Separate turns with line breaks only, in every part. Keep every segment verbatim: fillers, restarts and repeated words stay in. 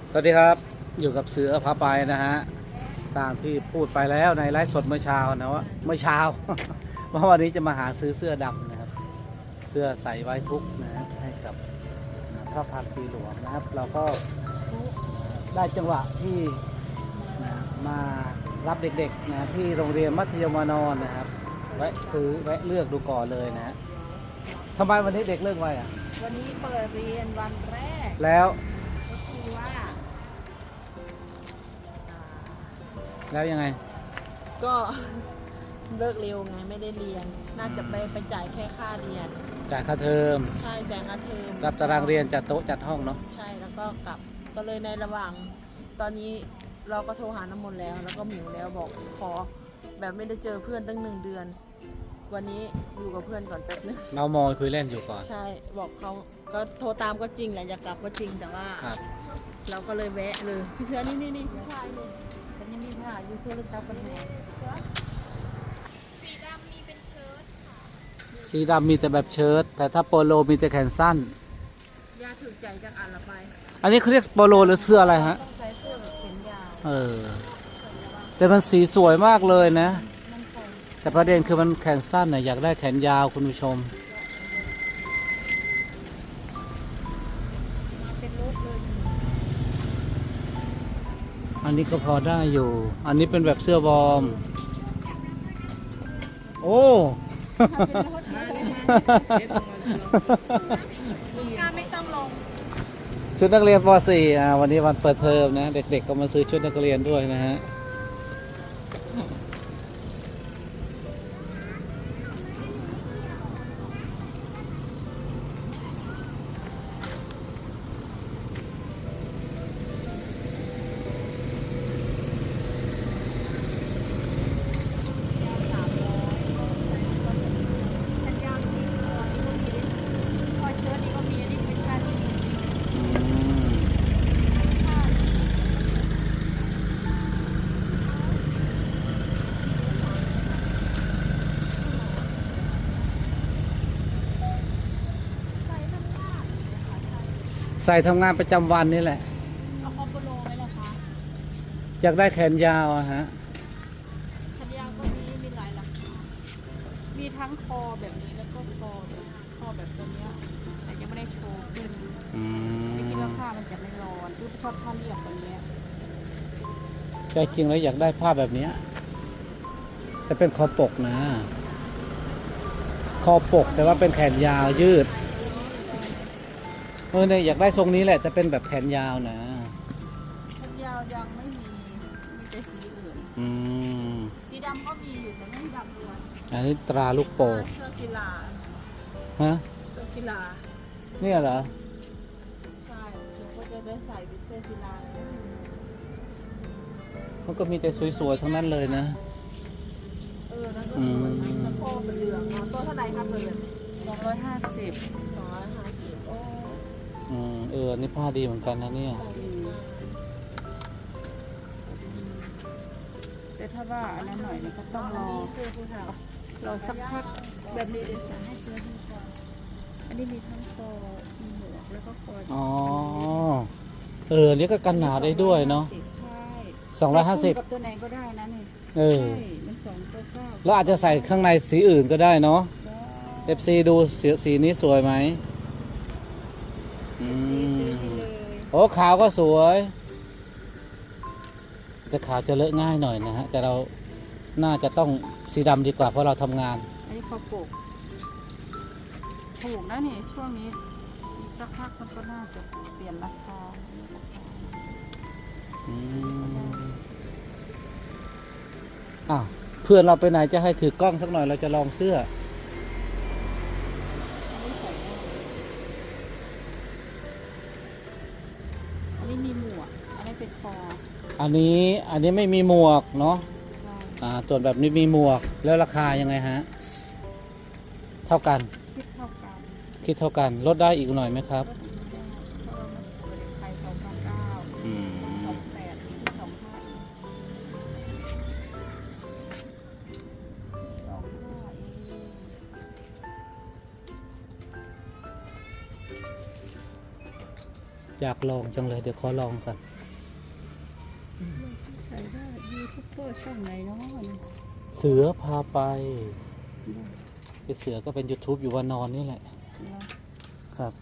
สวัสดีครับอยู่กับเสือพาไปนะฮะตามที่พูดไปแล้วในไลฟ์สดเมื่อเช้านะว่าเมื่อเช้า ว่าวันนี้จะมาหาซื้อเสื้อดำนะครับเสื้อใส่ไว้ทุกข์นะฮะให้กับพระพักตร์ปีหลวงนะครับ เราก็ได้จังหวะที่นะมารับเด็กๆนะที่โรงเรียนมัธยมวานอนนะครับแวะซื้อแวะเลือกดูก่อนเลยนะฮะทำไมวันนี้เด็กเลิกไวอ่ะ
วันนี้เปิดเรียนวันแรก
แล้ว
ก็คือว่าอ่า
แล้วยังไง
ก็ เลิกเร็วไงไม่ได้เรียน น่าจะไปไปจ่ายแค่ค่าเรียน
จ่ายค่าเทอม
ใช่จ่ายค่าเทอม
รับตารางเรียนจัดโต๊ะจัดห้องเนาะ
ใช่แล้วก็กลับก็เลยในระหว่าง ตอนนี้เราก็โทรหาน้ำมนต์แล้ว แล้วก็หมิวแล้วบอกขอแบบไม่ได้เจอเพื่อนตั้งหนึ่งเดือน วันนี้อยู่กับเพื่อนก่อนแป๊บนึง
เรามอยคุยเล่นอยู่ก่อน
ใช่บอกเขาก็โทรตามก็จริงแหละอยากกลับก็จริงแต่ว่าเราก็เลยแวะเลยพี่เสือนี่นี่นี่ผู้ชายเลยฉันยังมีผ้าอยู่เพื่อลึกลับปัญหา
สีดำมีเป็นเชิ้ตค่ะ
สีดำมีแต่แบบเชิ้ตแต่ถ้าโปโลมีแต่แขนสั้น
ยาถือใจจากอันละไป
อันนี้เขาเรียกโปโลหรือเสื้ออะไรฮะ
ต้องใช้เสื้อแบบแขนยาว
เออแต่มันสีสวยมากเลยนะแต่ประเด็นคือมันแขนสั้นน่ะอยากได้แขนยาวคุณผู้ชม
เป็นรูปเลย
อันนี้ก็พอได้อยู่อันนี้เป็นแบบเสื้อวอร์มโอ้
การไม่ต้องลง
ชุดนักเรียนป .สี่ อ่าวันนี้วันเปิดเทอมนะเด็กๆก็มาซื้อชุดนักเรียนด้วยนะฮะใส่ทำงานประจำวันนี่แหละ
เอาคอมโบโลไหมล่ะคะ
อยากได้แขนยาวอะฮะ
แขนยาวก็มีมีหลายราคามีทั้งคอแบบนี้แล้วก็คอแบบคอแบบตัวเนี้ยแต่ยังไม่ได้โชว์ขึ้นไม่คิดว่าผ้ามันจะไม่ร้อนคือชอบผ้าเรียบตัวเนี้ย
ใจจริงแล้วอยากได้ผ้าแบบนี้แต่เป็นคอปกนะคอปกแต่ว่าเป็นแขนยาวยืดเออเนี่ยอยากได้ทรงนี้แหละจะเป็นแบบแขนยาวนะ
แขนยาวยังไม่มีมีแต่สีอื่น
อืม
สีดำก็มีอยู่แต่ไม่ดำเลย
อันนี้ตราลูกโป่ง
เสื้อกีฬา
ฮะ
เสื้อกีฬา
เนี่ยเหรอ
ใช่เราก็จะได้ใส่เป็นเสื้อกีฬา
มันก็มีแต่สวยๆทั้งนั้นเลยนะ
เออนั่นก็สวยนะตะโพกเป็นเหลืองตัวเท่าไหร่ครับเลย
สองร้อยห้าสิบ
สองร้อยห้าสิบโอ้
อืมเออนี่ผ้าดีเหมือนกันนะเนี่ย
แต่ถ้าว่าอันนั้นหน่อยเนี่ยก็ต้องรอรอสักพักแบบนี้เดี๋ยวสั่งให้เพื่อนให้ก่อนอันนี้มีทั้งคอมีหมวกแล้วก็คอ
อ๋อเออนี่ก็กันหนาวได้ด้วยเนาะ
ใช่
สองร้อยห้าสิบ
กับตัวไหนก็ได้นะนี่
เออ
ใช่มันสองตัวเก้า
แล้วอาจจะใส่ข้างในสีอื่นก็ได้เนาะเอฟซีดูสีสีนี้สวยไหมอืมโอ้ขาวก็สวยแต่ขาวจะเลอะง่ายหน่อยนะฮะแต่เราน่าจะต้องสีดำดีกว่าเพราะเราทำงาน
อันนี้คอปกถูกนะนี่ช่วงนี้อีกสักพักมันก็น่าจะเปลี่ยนราคา
อืมอ้าวเพื่อนเราไปไหนจะให้ถือกล้องสักหน่อยเราจะลองเสื้อ
อันนี้มีหมวกอันนี้เป็นคอ
อันนี้อันนี้ไม่มีหมวกเนาะอ่าส่วนแบบนี้มีหมวกแล้วราคายังไงฮะเท่ากัน
คิดเท่ากัน
คิดเท่ากันลดได้อีกหน่อยไหมครับ
ขายสองพันเก้าสองแปดสองห้าสองห้า
อยากลองจังเลยเดี๋ยวขอลองก่อน
ใส่ได้ยูทูบเบอร์ช่องไหนเนาะ
เสือพาไปไอเสือก็เป็น YouTube อยู่วันนอนนี่แหละ ครับ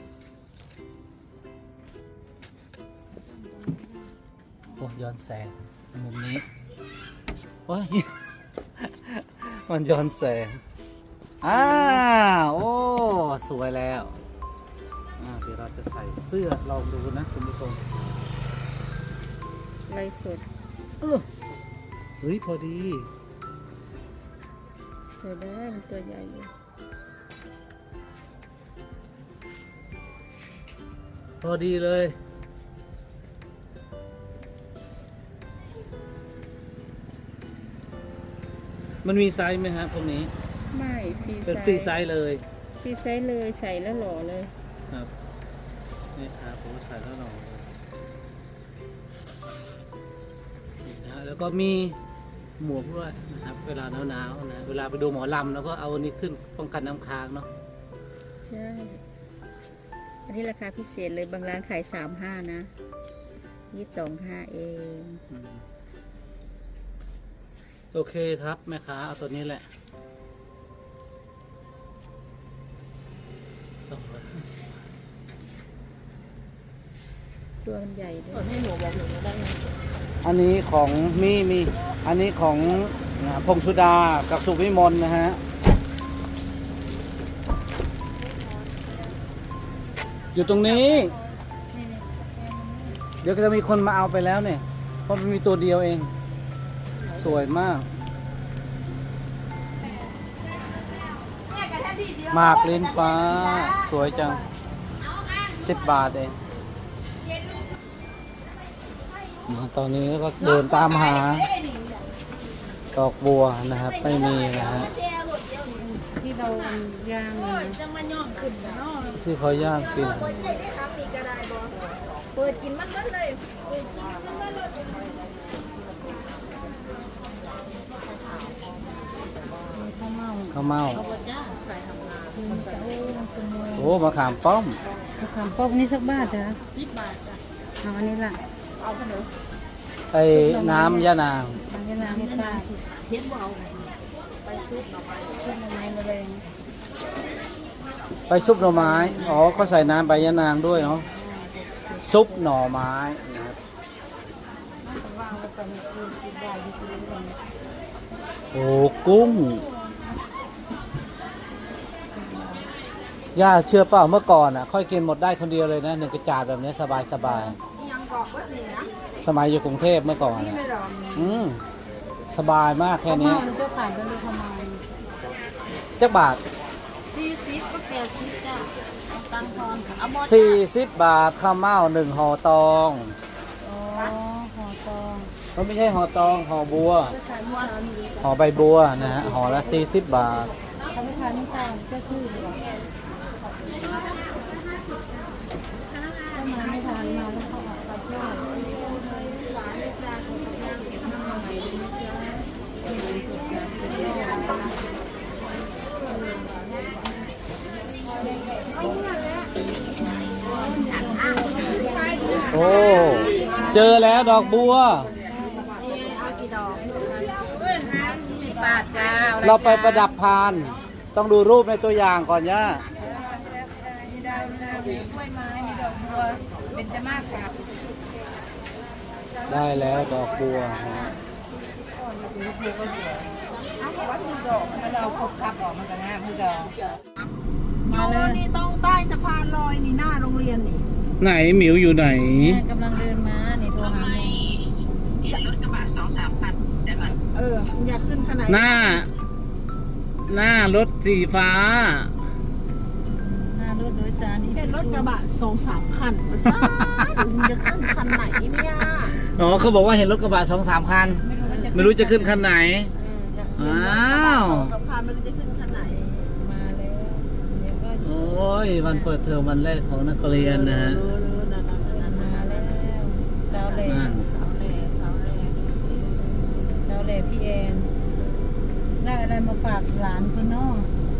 โอ้ย้อนแสงมุมนี้โอ้ย มันย้อนแสงอ้าวโอ้สวยแล้วอ่าเดี๋ยวเราจะใส่เสื้อลองดูนะคุณผู้ชม
ไรสด
เออเฮ้ยพอดี
ใส่ได้มันตัวใหญ่อยู่
พอดีเลยมันมีไซส์ไหมฮะพวกนี้
ไม่ฟรีไซ
เป็น
ส์
ฟรีไซส์เลย
ฟรีไซส์เลยใส่แล้วหล่อเลย
ครับนี่ครับผมก็ใส่แล้วหน่อยนี่นะแล้วก็มีหมวกด้วยนะครับ เวลาหนาวๆนะเวลาไปดูหมอลำแล้วก็เอาอันนี้ขึ้นป้องกันน้ำค้างเนาะ
ใช่ อันนี้ราคาพิเศษเลยบางร้านขายสามห้านะยี่สองห้าเอง
อืมโอเคครับแม่ค้าเอาตัวนี้แหละสองร้อยห้าสิบบาท
ตัวมันใหญ่ด้
ต
ว
อน
ย
ให้หนูบอกหนูได้ไง
อันนี้ของมีมีอันนี้ของนะพงสุดากับสุวิมลนะฮะอยู่ตรงนี้
นี่นี่
เดี๋ยวก็จะมีคนมาเอาไปแล้วเนี่ยเพราะมันมีตัวเดียวเอง สวยมากหมากลิ้นฟ้าสวยจังสิบบาทเองตอนนี้ก็เดินตามหาดอกบัวนะครับไม่มีนะฮะ
ที่เราย่างนะจะมาย่องขึ้นเนาะ
ที่เขาย่างกิน
เปิดกินมันมันเลย
ข้าวเมา
ข้าวเม่า
เอาบดจ้าใส่ทำงานคุณจะโอ้คุณโม
โอ้มะขามป้อม
มะขามป้อมนี่สักบาทจ้ะสิบบาทจ้ะเอาอันนี้ล่ะ
เอาขนม
ไอ้น้ำยะนาง
อันนี้น้ำให้ป้าสิเพชรเอาไปซุปหน่อไม้ซุปหน่อไม้มาเลย
ไปซุปหน่อไม้อ๋อเขาใส่น้ำใบยะนางด้วยเนาะซุปหน่อไม้นะครับ
ว่างแล้วก็มีคืนกินได้ที่กินได้
โอ้กุ้งย่าเชื่อเปล่าเมื่อก่อนอ่ะ ค่อยกินหมดได้คนเดียวเลยนะหนึ่งกระจาดแบบนี้สบายสบาย
ยังกรอกวัดเหนือ
สมัยอยู่กรุงเทพเมื่อก่อนอ่ะ
ไม่รอ
อืมสบายมากแค่
ข้าว
นี้
เมามันจะขายเป็นโลทำไม
จักบาท
สี่สิบก็แปดสิบจ้ะตังทอนเอาหมด
สี่สิบบาทข้าวเม่าหนึ่งห่อตอง
อ๋อห่อตอง
ก็ไม่ใช่ห่อตองห่อบัว
ไปขายเมื่อเช้านี้
ห่อใบบัวนะฮะห่อละสี่สิบบาท
เขาไปขายน้ำตาลก็คือถ้ามาไม่ทานมาแล้วเขาออกไปเที่ยวหวานเลยจ้าเขาจะย่างเก็บน้ำใหม่เลยนะจ๊ะเป็นจุดนะเป็นยอด
โอ้เจอแล้วดอกบัว
สิบบาทจ้า
เราไปประดับพาน ต้องดูรูปในตัวอย่างก่อนย่า
มีดาวนามีกล้วยไม้มีดอกบัวเป็นจะมากครับ
ได้แล้วดอกบัวฮะ
เราครบคับออกมันจะง่ายพี่ดอก
มาเลยนี่ต้องใต้สะพานลอยนี่หน้าโรงเรียนนี่
ไหนหมิวอยู่ไหน
กำลังเดินมานี่โทรหาแม่
เอออยากขึ้นขนาด
หน้า หน้ารถสีฟ้า
หน้ารถโดยสารที่
เห็นรถกระบะสองสามคันมาซ่าจะขึ้นคันไหนเนี่ย
อ๋อเขาบอกว่าเห็นรถกระบะสองสามคัน ไม่รู้จะขึ้นคันไหน
เออ
อ้าว
สะพานไม่รู้จะขึ้นคันไหน
มาแล้วเดี๋ยวก็
โอ้ยวันเปิดเทอมวันแรกของนักเรียนนะฮะ
เออเออนั่นนั่นนั่นนั่น
มา
นั่น
แล้วสาวเล่
นั่น
สาวแหล่สาวแหล่
สาวเล่พี่แอนได้อะไรมาฝากหลานคุณน้อง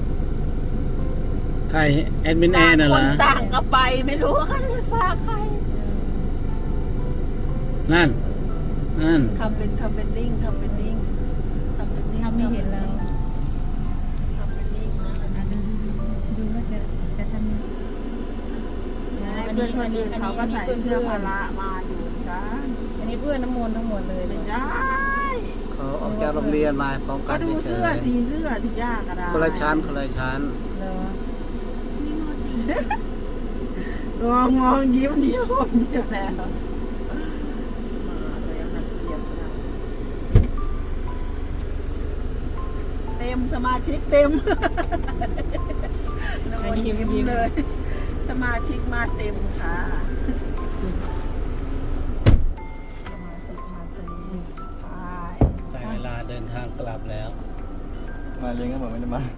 ใครแอดมินแอนน่ะเหร
ค
อน
ต่างก็ไปไม่รู้ว่าใครจะฝากใคร
นั่นนั่น
ทำเป็นทำเป็นนิ่งทำเป็นนิ่งทำเป็นนิ่ง
ทำไม่เห็นแล้ว
ทำเป็นนิ่งนะ
อ่ะดูดูว่าจะจะทำยังไง
เพื่อนคนอื่นเขาก็ใส่เสื้อพละมาอยู่กัน
อันนี้เพื่อนน้ำมนต์ทั้งหมดเลย
ไม่ใช่
เขาออกจากโรงเรียนมาพร้อมกั
ก็
น
ดู
เฉ
เสื้อย สีเสื้อที่ยากกระดาษ
ๆคนละชั้นคนละชั้น
เหรอนี่มสี่
มองมองยิ้มเดียวเดียวแล้วมาแล้วนักเรียนเราเต็มสมาชิกเต็มนอนยิ้มเลย สมาชิกมาเต็มค่ะสมาชิกมาเต็มไป
แต่เวลาเดินทางกลับแล้ว
มาเลี้ยงก็เหมือนไม่ได้มา